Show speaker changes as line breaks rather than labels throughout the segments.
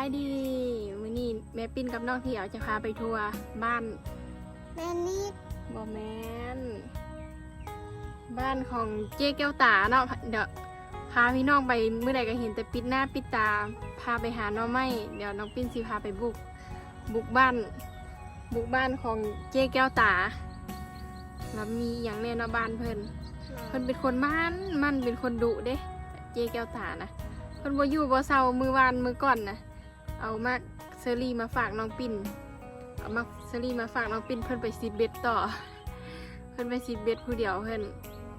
ายดีมื้อนี้แม่ปิ้นกับน้องที่เอาจะพาไปทัวร์บ้าน
แม่นิด
บ่แม่นบ้านของเจ๊แก้วตาเนาะเดี๋ยวพาพี่น้องไปเมื่อใดก็เห็นแต่ปิดหน้าปิดตาพาไปหาน้องไม้เดี๋ยวน้องปิ้นสิพาไปบุกบ้านของเจ๊แก้วตาแล้วมีอย่างแน่เนาะบ้านเพิ่นเป็นคนมันเป็นคนดุเด้เจ๊แก้วตานะเพิ่นบ่อยู่บ่เซามือวานมือก่อนนะเอามาเซอรี่มาฝากน้องปิ้นเอามาเซอรี่มาฝากน้องปิ้นเพิ่นไปซีดเบ็ดต่อเพิ่นไปซีดเบ็ดผู้เดียวเพิ่น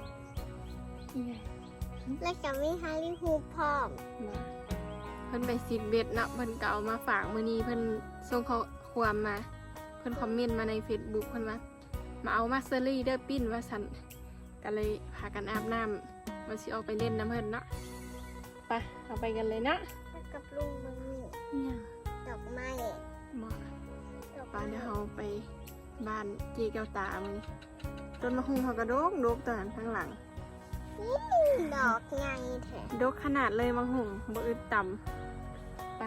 และจะมีฮาริฮูพร้อม
เพิ่นไปซีดเบ็ดเนาะเพิ่นก็เอามาฝากมื้อนี้เพิ่นส่งข้อความมาเพิ่นคอมเมนต์มาใน Facebook เพิ่นว่ามาเอามาเซอรี่เด้อปิ้นว่าซั่นก็เลยพากันอาบน้ำมาสิออกไปเล่นน้ำเพิ่นเนาะไปเอาไปกันเลยนะ
กับลุงมึง
เนี่ย
ดอกไม้
บอกป้าเดี๋ยวเราไปบ้านเจ๊แก้วตามึงต้นมะฮุงเขากระโดกตอนข้างหลัง
ดอกใหญ่แท้
ดกขนาดเลยมะฮุงบ่อึดต่ำไป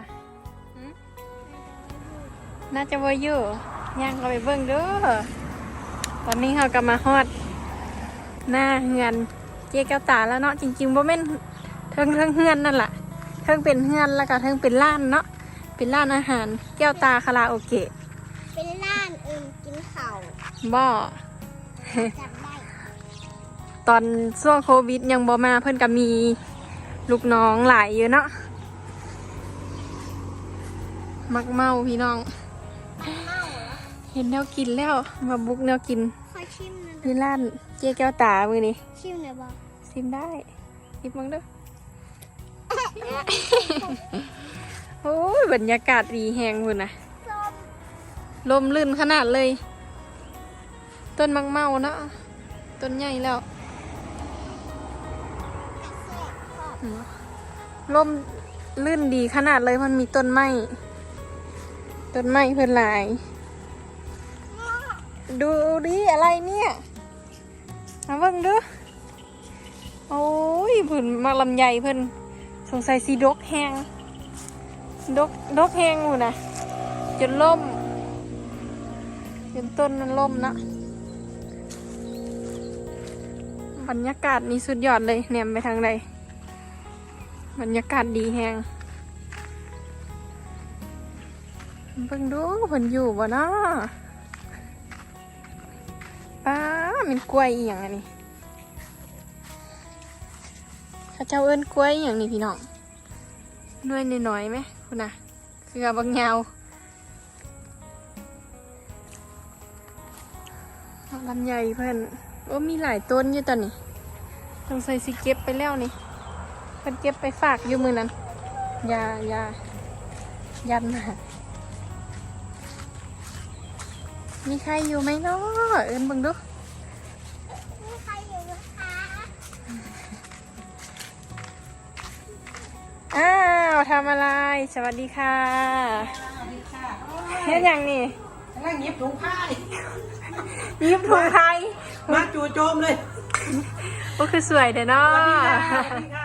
น่าจะว่าอยู่ย่างเราไปเบิ่งเด้อตอนนี้เรากำมาฮอดหน้าเฮือนเจ๊แก้วตาแล้วเนาะจริงๆบ่แม่นเทิงเฮือนนั่นแหละเทิงเป็นเฮือนแล้วก็เทิงเป็นร้านเนาะเป็นร้านอาหารแก้วตาคาราโอเกะ
เป็นร้านกินข้าว
บ่
จำได้
ตอนช่วงโควิดยังบ่มาเพิ่นก็มีลูกน้องหลายอยู่เนาะมักเมาพี่น้องเห็นแนวกินแล้วมาบุกแนวกินที่ร้านเจ๊แก้วตามือนี้
ชิมหน่อยบ่
ชิมได้ชิมมั้งเด้อโอ้ยบรรยากาศดีแหงคุณนะลมลื่นขนาดเลยต้นมักเมาเนาะต้นใหญ่แล้วลมลื่นดีขนาดเลยมันมีต้นไม้เพิ่นหลายดูดิอะไรเนี่ยมาเบิ่งดูโอ้ยเพิ่นมาลำไยเพิ่นสงสัยสีดกแหงดกแหงอยู่นะจนล่มจนต้นนั้นล่มนะบรรยากาศนี่สุดยอดเลยแนมไปทางใดบรรยากาศดีแหงเบิ่งดูเพิ่นอยู่บ่เนาะป้าเป็นกล้วยอีหยังอันนี้ข้าเจ้าเอิ้นกล้วยอย่างนี้พี่น้องด้วยน้อยๆไหมคุณน่ะคือบางยาวลำไยเพิ่นโอ้มีหลายต้นอยู่ตอนนี้ต้องใส่สิเก็บไปแล้วนี่เพิ่นเก็บไปฝากอยู่มือนั้นยันมามีใครอยู่ไหมเนาะเอิ้นเบิ่งดู
มีใครอยู่ไหมคะ
อ้าวทำอะไรสวัสดีค่ะเฮ็ดอย่างนี่
นั่งยิบถุงผ้า
ยิบถุงไทย
มาจู่โจมเลย
ก็คือสวยเด้อเนาะ
สวัสดีค่ะ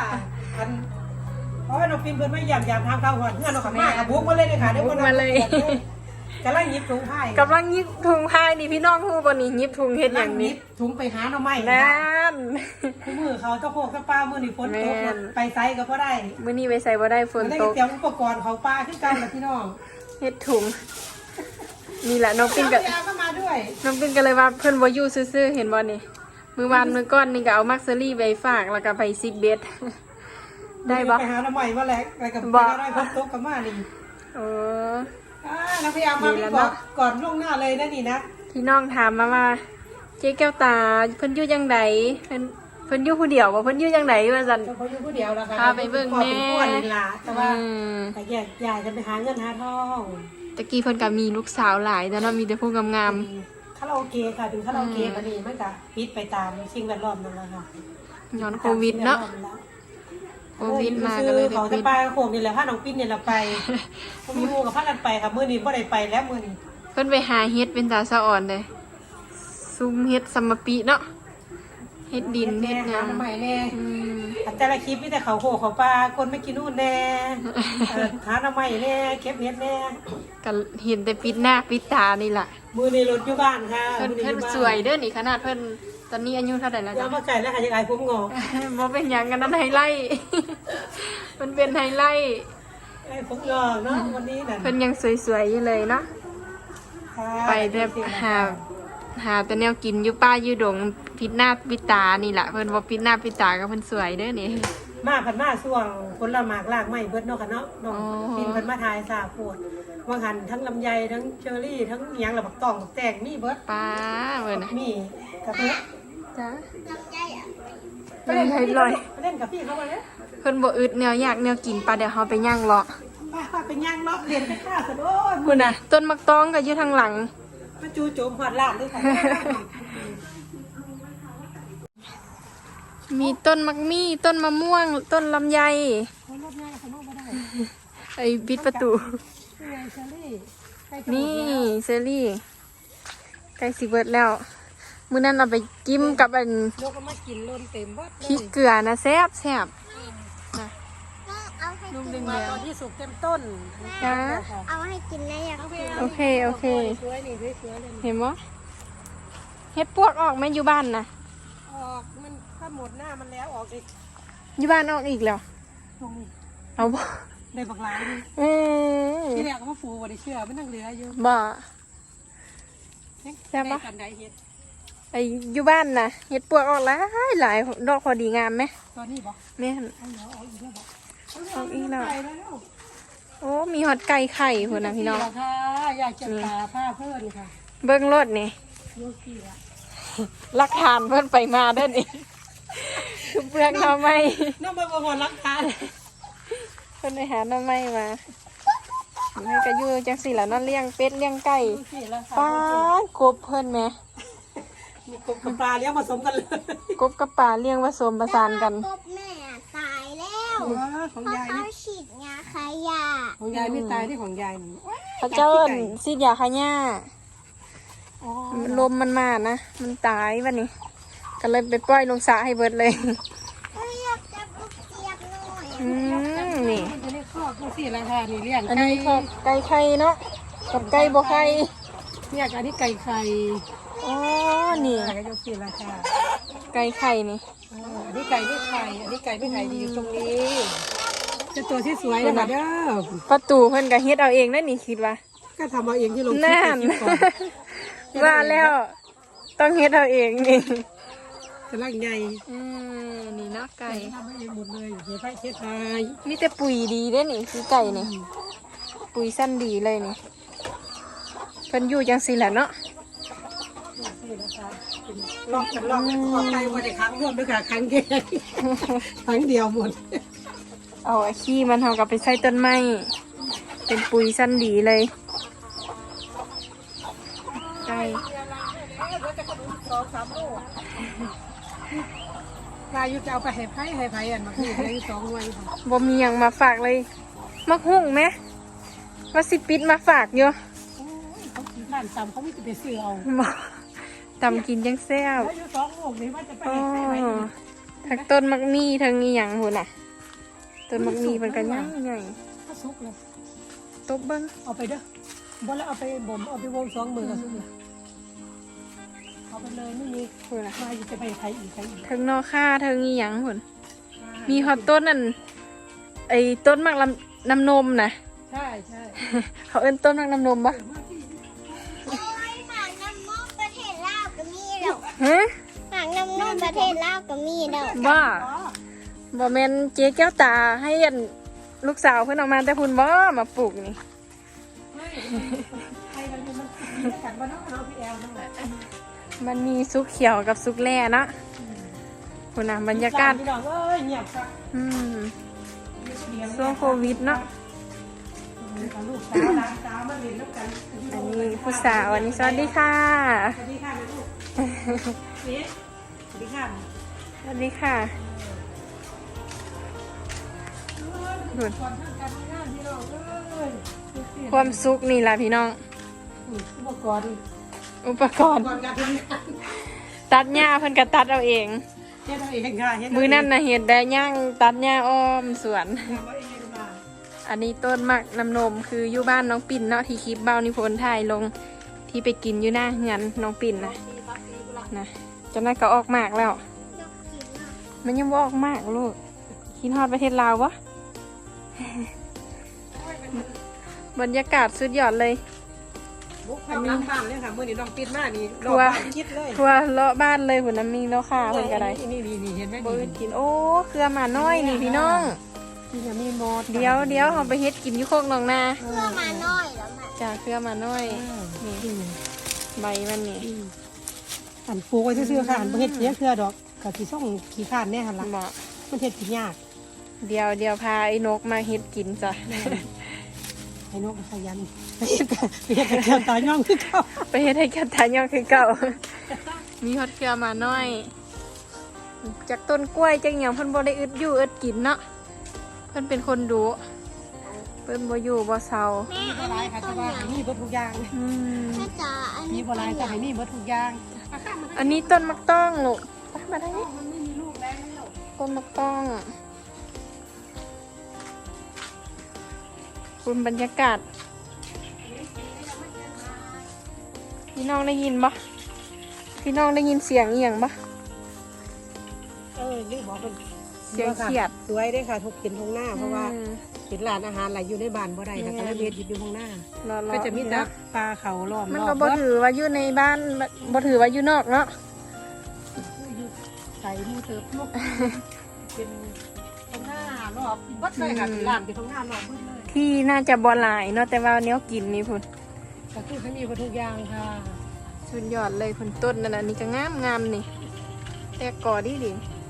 เพราะว่าน้องฟิล์มเพิ่นไม่ยามทางเข้าหัวเงื่อนเราขับมาบุกมาเลยค่ะเดี๋ยว
มาเลย
กำลังยิบถุงผ้
ากำลังยิบถุงผ้านี่พี่น้องฮู้บ่นี่ยิบถุงเฮ็ดอย่างนี้
ถุงไปหาหน่อไม้
นั่น
คู่มือเขาตะโพกตะปามื้อนี้ฝนตกไปไสก็บ่ได้
มื้อนี้ไปไสบ่ได้ฝนตก
เตรียมอุปกรณ์เขาปลาคือกันล่ะพี่น้อง
เฮ็ดถุงนี่แหละน้องปิ้นก็
มาด้วย
น้องปิ้นก็เลยว่าเพิ่นบ่อยู่ซื่อๆเห็นบ่นี่มื้อวานมื้อก่อนนี่ก็เอามักเซอรี่ไปฝากแล้วก็ไปซิกเบ็ดได้บ่
ไปหาหน่อไม้มาแล้วไปกับได้ฝนตกก็มานี่เราพยายามมาพี่ก่อนล่วงหน้าเลยนะนี่นะ
พี่น้องถามมาว่าเจ๊แก้วตาเพิ่นอยู่จังไดเพิ่นอยู่ผู้เดียวบ่เพิ่นอยู่จังไดว่าซั่น
เพิ่นอยู่ผู้เดียวล่ะค่ะ
พาไปเบิ่งแม่
แต่ว่าแต่อยากจะไปหาเงินหาทอง
ตะกี้เพิ่นก็มีลูกสาวหลายแต่เนาะมีแต่ผู้งาม
ๆคาราโอเกะค่ะถึงคาราโอเกะบัดนี้มันก็ปิดไปตามสิ่งแวดล้อมนั่นแหละค่ะ
ย้อนโควิดเนาะโควิดมาก็เลย
เขาจะไปโขงนี่แหละพาน้องปิ้นนี่แหละไปมีหมู่กับพากันไปค่ะมื้อนี้บ่ได้ไปแล้วมื้อนี้
เพิ่นไปหาเฮ็ดเป็นตาสะอ่อนเลยซุ่มเฮ็ดซัมมะปิเนาะเฮ็ดดินเฮ็ดหยัง
ใหม่แน่แต่ละคลิปมีแต่เขาโขกเขาปลาคนไม่กินนู่นแน่หาหน้ำไม้แน่เก็บเห็ดแน่
ก็เห็นแต่ปิดหน้าปิดตานี่แหละ
มือในรถอยู่บ้านค่ะ
เพิ่น
มื้อ
เพิ่น
อยู่บ้า
สวยเด้อนี่ขนาดเพิ่นตอนนี้อายุเท่าไหร่แล้ว
ยา
จ๊ะ
มาไก่แล้วค่ะยังไงผมงอก
บ่เป็นหยังกันนั้นไฮไลท์ มันเป็นไฮไลท์
ไอ้ผมงอกเนาะวันนี้นั่น
เพิ่นยังสวยๆอยู่เลยเนาะ
ค่ะ
ไปแต่หาแต่แนวกินอยู่ป้าอยู่ดงปิดหน้าปิดตานี่แหละเพิ่นบ่ปิดหน้าปิดตาก็เพิ่นสวยเด้อนี่
มาผันมาช่วงผลหมากลากไม้เบิดเนาะค่ะเนาะน้อง
อ๋อ
ปินเพิ่นมาทายสาปวดว่าหันทั้งลำไยทั้งเชอรี่ทั้งหยังระบักตองบักแตงมีเบิด
ป้าเพิ่นน่ะ
มีกระเพื่อ
จ้า
ลำไยอ่ะ
ไปเล่นกับพี่
ลอย
ไปเล่นกับพี่เขาไปเลย
เพิ่นบ่อึดแนวอยากแนวกินปลาเดี๋ยวเฮาไปย่างเลาะ
ป้าเป็นย่างเนาะเรียนไปฆ่าสะโอ้ย
พุ่นน่ะต้นมักตองก็อยู่ทางหลัง
มาจูโจมหอดลาดด้วยค่ะ
มีต้นมักมี่ต้นมะม่วง ต้นลำไย
เขาลดง่ายเขาลดไม่ได้
ไอ้ปิดประตู
นี่ไงเชอรี่ใกล้จะหมด
นี่
แล้ว
เซรี่ใกล้สิเบิดแล้ว มื้อนั้นเอาไปจิ้มกับอัน
ยกก็มากินล้นเต็มวัดเล
พริก
ย
เกลือนะแซ่บแซ่บนะ
ก็เอาให้
นุ่ม
กิน
เห
มา
ลือ
ตอนที่สุกเต็มต้น
จ้า
เอาให้กินได้ยังกิน
โอเคโอเค
สวยนี่สวยๆเลย
เห็นบ่เฮ็ดปวกออกไหมอยู่บ้านนะ
ออกมันถ้าหมดหน้ามันแล้วออกอีก
อยู่บ้านออกอีกแล้ว
ตรงนี้
เอาบ่
ได้บักหลายนี่
อืม
ที่แรกก็มาฟูบ่ได้เชื่อมันนั่งเหลืออยู่
บ่
แซ่บปะกันไดเฮ็ด
ไอ้อยู่บ้านนะเฮ็ดปวกออกหลายหลายดอกพอดีงามไหม
ตอนนี้บ่
แม่น
เอาเหรอเอาอีกแล้วบ่
เอาอีกแล้ว
ไปแล้ว
โอ้มีฮอดไก่ไข่พุ่นนะพี่น้อง
ค่ะอยากจะตาผ้าเพื่อนค่ะ
เบิ่งรถนี่
โยกี้ละ
หลักฐานเพิ่นไปมาเด้อนี่คือเปลือกหน่อไม้
น้องมาบ่รักทาน
เพิ่นไปหาหน่อไม้มาให้ก็อยู่จังซี่ล่ะเนาะเลี้ยงเป็ดเลี้ยงไก่
โยกี้ละค่ะ
ป้านกบเพิ่นแหม
มีกบกับปลาเลี้ยงผสมกันเลย
กบกับปลาเลี้ยงผสมประสานกัน
กบแม่ตายแล้ว
ของ
เพราะ
ยาย
เขา
นี่
ฉีดยาขยะ
ของยายไม่ตายที่ของยายนี่
เขาเจ้าเอิ้นซีดยาขะหญ้า
อ๋อ
ลมมันมานะ มันตายวันนี้ ก็เลยไปปล่อยลงสระให้เบิดเลย
เอ้ยอยากจับลูกเจี๊ยบหน่อย
อืมนี่
มันจะเรียกคอกดูสิราคานี่เลี้ยง
อันนี้ก็ไก่ไข่เนาะ กับไก่บ่ไข่
เนี่ยอันนี้ไก่ไข่
อ๋อ นี่
ไก่ยกสิราคา
ไก่ไข่นี่
อันนี้ไก่ไม่ไข่อันนี้ไก่ไม่ไข่ดีอยู่ตรงนี้จะตัวที่สวยนะคะเด้อ
ประตูเพิ่นก็เฮ็ดเอาเองนั่นนี่คิดว่า
ก็ทำเอาเองที่ลงคลิป
นั่น
ไปคลิปก่อน
ว่าแล้วต้องเฮ็ดเอาเองนี่
กำลังใหญ่
นี่เนาะไก่
ทำให้เองหมดเลยเฮ็ดไปเฮ็ดไป
มีแต่ปุ๋ยดีเด้นี่คือไก่นี่ ปุ๋ยสั้นดีเลยนี่ เพิ่นอยู่จังซี่แหละเนาะ
ลอกกันลอกกันขอไก่มาได้ครั้งร่วมด้วยค่ะครั้งเดียวครั้งเดียวหมด
เอาไอ้ขี้มันเอากลับไปใส่ต้นไม้ เป็นปุ๋ยสั้นดีเลย ไก่
ลายยุจะเอาไปให้ไผ่อันมาคือให้2 หน่วยค่ะ
บ่มีหยังมาฝากเลย มักหุ่งไหมว่าสิปิดมาฝากอยู่
โอ้ยเขากินบ้านตำเขาไม่จะไปซื้อเอา
บ่ตำกินจังแซ่บ
แล้วอยู่2 ลูกนี่ว่าจะไป
อ๋อ
ให้ไผ่
ทั้งต้นมักมีทั้งอีหยังหุ่นน่ะ ต้นมักมีมันก็ใหญ่ใหญ่
ถ้าสุกเลย
ตบเบิ่ง
เอาไปเด้อบ่แล้วเอาไปบ่มเอาไปวง2 มือก็สุกเลยเอาไปเลยไม่มี
หุ่นน่ะ
มาอยู่จะไปไผ่อีก
ทั้งนอค่าทั้งอีหยังหุ่นมีฮอตต้นนั่นไอ้ต้นมักลำน้ำนมน่ะ
ใช่ใช่
เขาเอิ้นต้นมักน้ำนมปะ
โอ้ยหมากน้ำนมประเทศลาวก็มีดอก
ฮะ
หมากน้ำนมประเทศลาวก็มีดอก
บ้าบ่แม่นเจ๊แก้วตาให้อันลูกสาวเพิ่นเออกมาแต่พุ่นบ่มาปลูกนี่
ไผ่เราเนี่ยมันกินกันบ่เนาะเอาพี่แอลนั่นแหละ
มันมีซุกเขียวกับซุกแร่เนาะพุ่นน่ะบรรยากาศ
พี่น้องเอ้ยเงียบครับ
อืมช่วงโควิดเนาะ
ลูกสาวหลานสาวมาเรียนน้ำกัน
อันนี้ผู้สาวอันนี้สวัสดีค่ะ
สวัสดีค่ะลูกนี่สวัสดีค่ะ
สวัสดีค่ะพุ่น
ก่อนทำการทำงานพี่น้องเอ้ย
ความสุขนี่ล่ะพี่น้อง
อุปกรณ์
อุปกรณ์
ก่อนการทำงาน
ตัดหญ้าเพิ่นก็ตัดเอาเอง
เเฮ็ดเอาเองค่ะเฮ็ด
มือนั่นนะเห็ดได้ย่างตัดหญ้าอ้อมสวน
ทำเอาเองค่ะ
อันนี้ต้นมักน้ำนมคืออยู่บ้านน้องปิ่นเนาะที่คลิปเบ้านิพนธ์ถ่ายลงที่ไปกินอยู่หน้าเฮือนน้องปิ่นนะจนนั้นก็ออกมากแล้ว
ยกกินเนาะ
มันยังบ่ออกมากลูกคิดฮอดประเทศลาววะ บรรยากาศสุดยอดเลย
บุกเข้าหลังบ้านเลยค่ะมื้อนี้น้องปิดมานี่รอบบ้านคิดเลย
ทัวร์เลาะบ้านเลยหุ่นน้ำมีเลาะค่าเพิ่นก็ได้
นี่เห็นไหม
บ่อื่นกินโอ้เครือหมาน้อยนี่พี่น้อง
นี่ยังมีหมด
เดี๋ยวเราไปเฮ็ดกินอยู่โคกหนองนา
เพื่อมาน้อยแล้วแม่
จ้าเครือหมาน้อยนี่ใบมันนี่
อันปลูกไว้ซื่อๆค่ะอันบ่เฮ็ดเสียเครือดอกก็สิส่งขี้ข้านแน่หั่นล่ะ
เหมาะ
มันเฮ็ดกินยาก
เดี๋ยวพาไอ้นกมาเฮ็ดกินจ้ะ
ไอ้นกขยันไปเฮ็ดกับแก้วตาย่องคือเขา
ไปเฮ็ดให้กันทานยองคือเก่า มีฮอดเครือหมาน้อย จากต้นกล้วยจังหยังเพิ่นบ่ได้อึดอยู่อึดกินเนาะเพิ่นเป็นคนดุเพิ่นบ่อยู่บ่เซา
แม่
มี
อั
บ่
น
หลาย
นี้
ค่ะ
ต้
แต่
น
ว่า
อย่าง
มีเบิดทุกอย่าง
อืม
แม่จ๋าอัน
มี
นี้
บ่หลายแต่ให้มีเบิดทุกอย่าง
อันนี้ต้นมักต้องลูกไปมาได้
มันไม่มีลูกแล้ว
ต้นมักต้องคุณบรรยากาศพี่น้องได้ยินปะพี่น้องได้ยินเสียงเอียงปะ
นี่บอกเป็น
เสียงเขียด
สวยได้ค่ะทุกกินทงหน้าเพราะว่า
อืม
เห็นร้านอาหารหลายอยู่ในบ้านบ่ได้ค่ะก็เลยเฮ็ดอยู่ทงหน้า
รอ
ก็จะมีแต่ปลาเขาล้อม
มัน
รอ
ก็
บ
บ่ถือว่าอยู่ในบ้านบ่ถือว่าอยู่นอกเนาะ
ไก่มูเติบลูกเป็นทงหน้ารอบวัดเลยค่ะเป็นร้านเป็นทงหน้ารอบเบิดเลย
ที่น่าจะบ่หลายเนาะแต่ว่าเนี้ยกินนี่พุ่น
ก็คือเขามีเบิดทุกอย่างค่ะ
สุดยอดเลยพุ่นต้นนั่นน่ะนี่ก็งามนี่แต่ก่อดี
นี่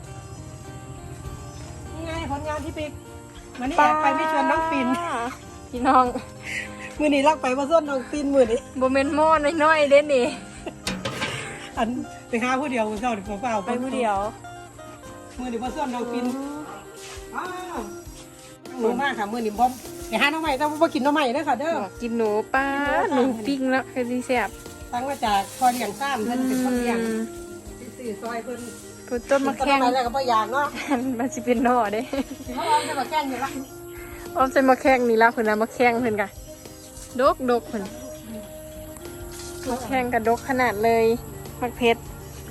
ไงผลงานที่ไปวันนี้แอบไปไม่ชวนน้องปิน
พี่น้อง
มื้อนี้รักไปบ่ส่วนน้องปินมื้อนี้
บ่แม่นหม้อน้อยๆเด้นี่
อันไปหาผู้เดียวมื้อเช้านี่เปล่าๆ
ไปผู้เดียว
มื้อนี้บ่ส่วนน้องปินอ้าวหนูมากค่ะมื้อนี้บ่ไปหาน้องใหม่แต่ว่าบ่กินน้องใหม่เด้อค่ะเด้อ
กินหนูป้าหนูปิ้งแล้วคือสิแซ่บ
ตั้งมาจากคอนอย่างซ้ำเพิ่นเป็นคนเลี้ยงซื้อซอยเพิ่น
พุ่นต้นมะแข้ง
ต้นไม้แล้วก็บ่อยากเนาะ
มันสิเป็นหน่อเด้
เขาเอาแต่มาแกล้งอยู่ละ
อ้อมใส่มะแข้งนี่ละเพิ่นน่ะมะแข้งเพิ่นกะดกเพิ่นมะแข้งกะดกขนาดเลยมักเพชร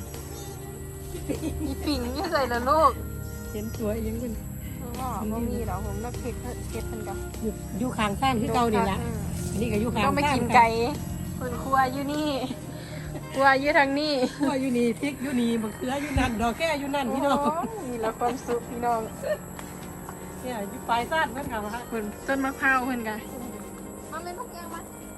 มีปิ่งนี่ใส่ละลูก
เห็นสวยยังเพิ่น
บ่มีหรอกผมมักเพชรเพิ่นกะ
อยู่ข้างซ้ำคือเก่านี่ล่ะอันนี้ก็อยู่ข้าง
ต้องไปกินไก่เพิ่นครัวอยู่นี่ครัวอยู่ทางนี้
คั่วอยู่นี่พริกอยู่นี่มะเขืออยู่นั่นดอกแก้อยู่นั่นพี่น้อง
มีละความสุขพี่น้อง
เนี่ยอยู่ปลายซ่านเพิ่นค่ะว่า
เพิ่นต้นมะพร้าวเพิ่นกะ
มันเป็นพวกยังวะ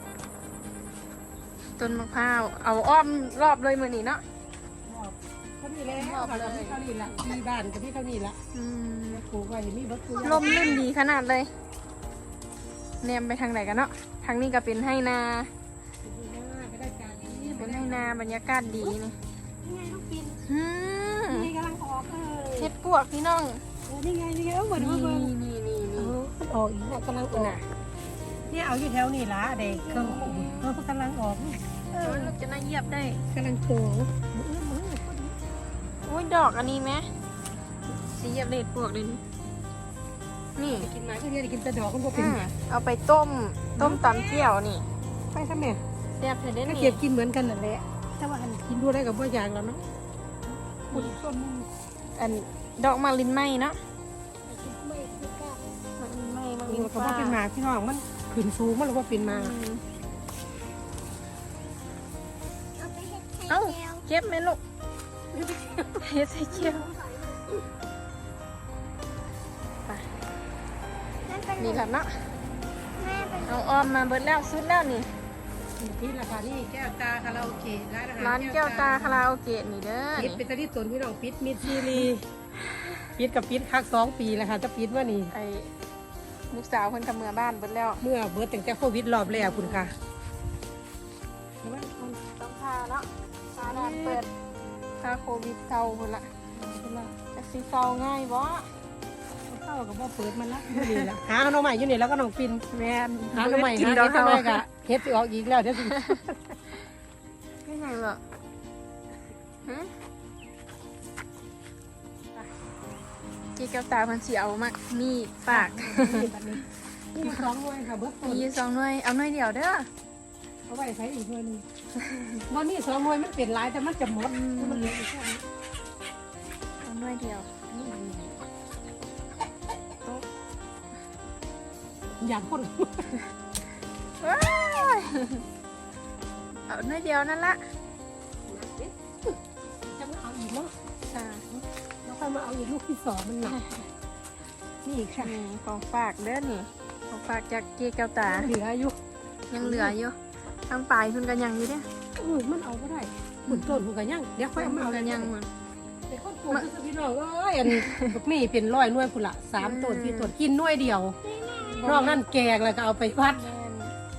ต้นมะพร้าวเอาอ้อมรอบเลยมื้อนี้เนาะ
เขานี่แล้วค่ะกับพี่เขานี่ละที่บ้านกับพี่เขานี่ละ
อืม
ปลูกไว้มีเบิดทุกอย่าง
ลมลื่นดีขนาดเลยแนมไปทางไหนกันเนาะทางนี้ก็เป็นให้นา
ก็ได้การนี่
เป็นให้นาบรรยากาศดีนี่
ไงลูกปิน
อืม
นี่กำลังออกเลย
เฮ็ดปวกพี่น้อง
นี่ไงเอ้าเหมือน
นี่
เบิ่ง
นี่นี่
เอ
นี่
อมันออกอีกแล้วกำลังออกเนี่ยเอาอยู่แถวนี่ละเด็กเครื่องขุ่นกำลังออก
ลูกจะน่าเหยียบได้
กำลังโต
โอ้ยดอกอันนี้ไหมสีเหยียบเล็ดปวกเลยนี่
กินมาก็เนี่ยกินแต่ดอกมันก็เป็น
เอาไปต้มตำเจียวนี่
ไปทำไม
แซ่บเผ็ดได้
ก็
นี่
เก็บกินเหมือนกันนั่นแหละแต่ว่าอันกินดูได้กับบ่อย่างแล้วเนาะคุณส้ม
อันดอกมาลินไหมเนาะ
ไม่คือกล้า
มาลินไหมมาลิ
นี่
น
ก็
ฟ้า
ว่าเป็นหมาพี่น้องมันขึ้นสูงมันหรือว่าเป็นหมา
เอาไปเฮ็ดไข่
เอ้า
แก้ว
เก็บไหมลูกเฮ็ดใส่เจียว
นั่นเป็น
นี่แหละเนาะ
แม่เป็น
เอาออมมาเบิดแล้วสุดแล้วนี่
ที่ราคานี่แก้วตาคาราโอเกะร้านอาหาร
ร้านแก้วตาคาราโอเกะนี่เด้อ
ปิด
นี่
เป็นตะที่ตนพี่น้องปิดมิดซีรีปิดกับปิดคัก2 ปีแล้วค่ะจะปิดว่านี่
ไอ้ลูกสาวเพิ่นทำเมือบ้านเบิดแล้ว
เมื่อเบิดตั้งแต่โควิดรอบแรกคุณค่ะ
ต้องพาเนาะพาด่านเปิดพาโควิดเซาพุ่นละจะสิเซาง่ายบ่
เข้ากับว่าเปิดมันละอยู่นี่ละหาขนมใหม่อยู่นี่แล้วก็น้องปิน
แม่น
หาขนมใหม่
กิน
หา
ดอก
เฮ็ด
เขา
ทำไมกะเฮ็ดสิออกอีกแล้วเดี๋ยวสิ
ไม่ไงหรอกฮะเจ๊แก้วตาเพิ่นสิเอามักมีฝาก
นี่มา2หน่วยค่ะเบิดต้น
มีอยู่2หน่วยเอาหน่วยเดียวเด้อ
เอาไว้ใช้อีกหน่วยนึงบ่นี่2หน่วยมันเป็นหลายแต่มันจะหมดมันเหลืออีกแค่นี้
เอาหน่วยเดียว
อย่างคน
ว้ายเอาหน่วยเดียวนั่นละ
จะมาเอาอีกเนาะ
จ้า
แล้วค่อยมาเอาอีกลูกที่2มันหนักนี่ค่ะ
นี่ของฝากเด้อนี่ของฝากจากเจ๊แก้วตา
เหลืออยู่
ยังเหลืออยู่ทางปลายเพิ่นก็ยังอยู่เด้อ
มันเอาบ่ได้ขุนต้นขุนกันยังเดี๋ยวค่อยเอามาเอา
ก็ยังหมด
เป็นคนปลูกคือพี่น้องเอ้ยอันบักนี่เป็น100หน่วยพุ่นละ3ต้น4ต้นกินหน่วยเดียวนอกนั้นแกงแล้วก็เอาไปวัด
แม่น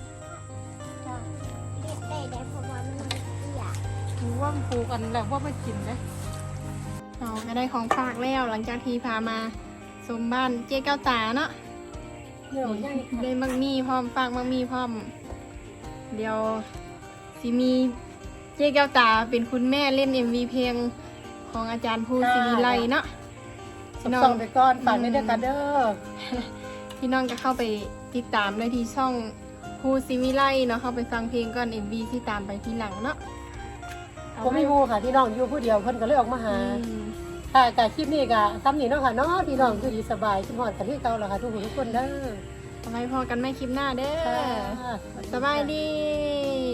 ได้เพราะว่ามันเสีย
ถือว่ามันปลูกกันแล้วว่าไม่กินนะ
เราก็ได้ของฝากแล้วหลังจากที่พามาสมบ้านเจ๊แก้วตาเนาะ
เดี๋ยวยัง
ได้มักมีพร้อมฝากมักมีพร้อม เดี๋ยวสิมีเจ๊แก้วตาเป็นคุณแม่เล่น MV เพลงของอาจารย์ภูศิริไลเนาะ
ส่งไปก่อนฝากในเด้อกันเด้อ
พี่น้องก็เข้าไปติดตามได้ที่ช่องภูศิริไลเนาะเข้าไปฟังเพลงก่อน MV ที่ตามไปทีหลังเนาะ
ผมมีหมูค่ะพี่น้องอยู่ผู้เดียวเพิ่นก็เลยออกมาหา
อืม
ค่ะแต่คลิปนี้ก็ซ้ำนี่เนาะค่ะเนาะพี่น้องอยู่ดีสบายคิดฮอดกันที่เก่าแล้วค่ะทุกคนทุกคนเด้อ
เอาไว้พอกันไม่คลิปหน้าเด้อ
ค่ะ
สบายดี
ส